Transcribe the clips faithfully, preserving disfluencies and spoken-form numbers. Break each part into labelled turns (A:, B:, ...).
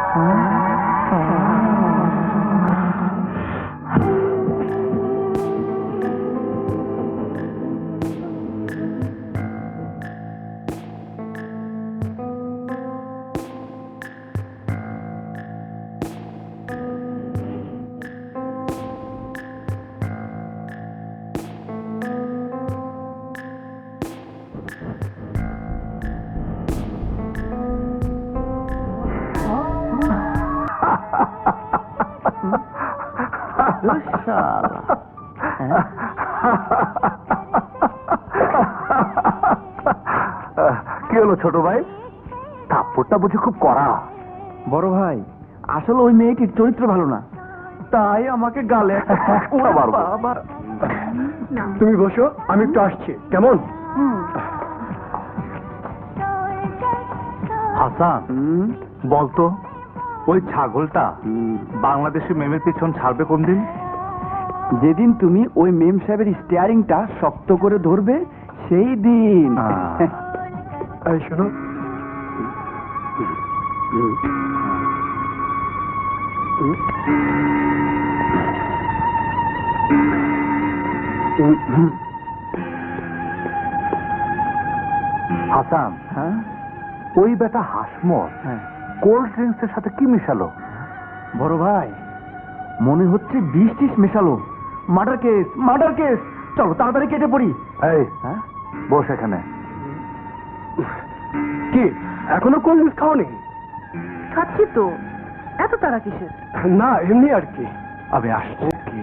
A: কি হলো ছোট ভাই? থাপ্পড়টা বুঝি খুব কড়া?
B: বড় ভাই, আসলে ওই মেয়েটির চরিত্র ভালো না, তাই আমাকে গালে
C: তুমি বসো, আমি একটু আসছি, কেমন?
A: হাসান, বলতো ওই ছাগলটা বাংলাদেশি মেমের পিছন ছাড়বে কোন দিন?
B: যেদিন তুমি ওই মেম সাহেবের স্টিয়ারিংটা শক্ত করে ধরবে সেই দিন।
C: এই শোনো,
A: হাসান,
B: হ্যাঁ
A: ওই বেটা হাসমত
B: হ্যাঁ
A: কোল্ড ড্রিঙ্কস এর সাথে কি মিশালো?
B: বড় ভাই, মনে হচ্ছে বিষ টিস মেশালো। মার্ডার কেস, মার্ডার কেস, চলো তাড়াতাড়ি কেটে পড়ি।
A: এই
B: হ্যাঁ,
A: বস এখানে।
C: কি এখনো কোল্ড ড্রিঙ্কস খাওনি?
D: খাচ্ছি তো, এত তারা কিসের?
C: না, এমনি আর কি।
A: আমি আসছি।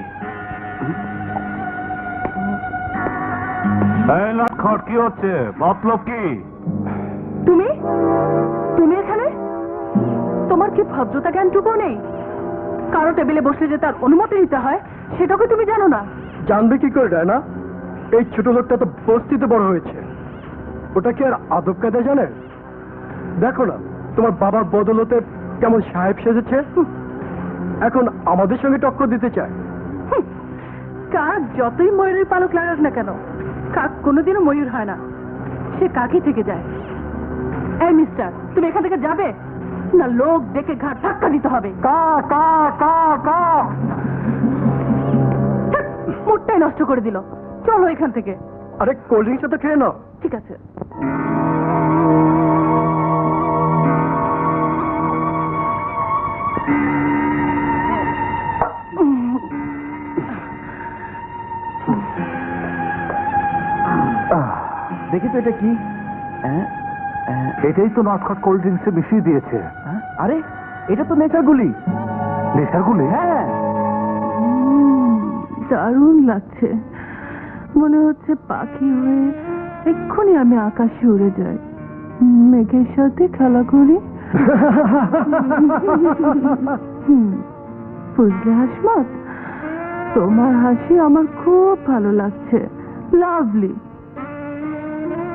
A: এই লটখট কি হচ্ছে? মতলব কি?
D: তুমি তুমি এখানে? তোমার কি ভদ্রতা জ্ঞানটুকু নেই? কারো টেবিলে বসলে যে তার অনুমতি নিতে হয় সেটাকে তুমি জানো না?
C: জানবে কি করে রায়না? এই ছোট লোকটা তো বস্তিতে বড় হয়েছে, ওটা কি আর আদব কায়দা জানে? দেখো না তোমার বাবার বদলতে কেমন সাহেব সেজেছে, এখন আমাদের সঙ্গে টক্কর দিতে চায়।
D: হুঁ, কাক যতই ময়ূরের পালক লাগাক না কেন, কাক কোনোদিনও ময়ূর হয় না, সে কাকই থেকে যায়। এই মিস্টার, তুমি এখান থেকে যাবে না লোক ডেকে ঘাট ধাক্কা দিতে হবে?
C: কা কা কা কা
D: মুডটাই নষ্ট করে দিল। চলো এখান থেকে।
C: আরে কোল্ড ড্রিঙ্কস তো খেয়ে নাও।
D: ঠিক আছে।
B: দেখি তো এটা কি? হ্যাঁ, হ্যাঁ,
A: এটাই তো নটখট কোল্ড ড্রিঙ্কসে মিশিয়ে দিয়েছে।
B: হ্যাঁ, আরে এটা তো নেচার গুলি।
A: নেশার গুলি?
B: হ্যাঁ,
D: দারুণ লাগছে, মনে হচ্ছে পাখি হয়ে এক্ষুনি আমি আকাশে উড়ে যাই, মেঘের সাথে খেলা করি। হুম, বুঝলে হাসমত, তোমার হাসি আমার খুব ভালো লাগছে, লাভলি।